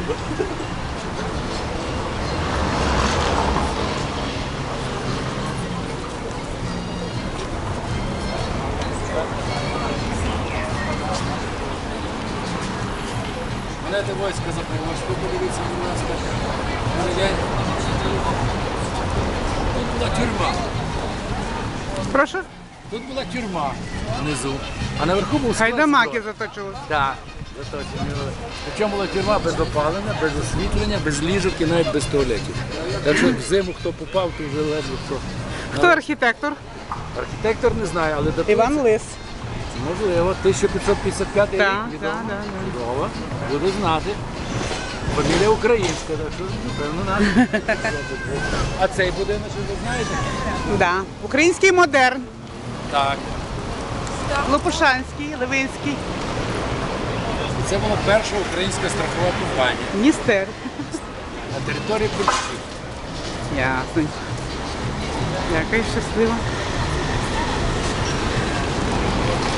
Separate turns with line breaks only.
Мене військо запривозку, подивіться, будь ласка. Тут була тюрма.
Прошу?
Тут була тюрма внизу, а наверху був склад
Гайдамаки
зброї.
заточились.
Так, заточені були. Причому була тюрма без опалення, без освітлення, без ліжок і навіть без туалетів. Так що в зиму хто попав, то вже ледве хто.
Хто архітектор?
Архітектор не знає, але датується.
Іван Лис.
Можливо, 1555 рік.
Так,
відомо.
так, так.
Чудово. Буду знати. Фамілія українська, так що, напевно, надо. А цей будинок, ви знаєте?
Да. Український модерн.
Так.
Лопушанський, Левинський.
Це була перша українська страхова компанія
Дністер.
на території Польщі.
Ясно. Яка щаслива.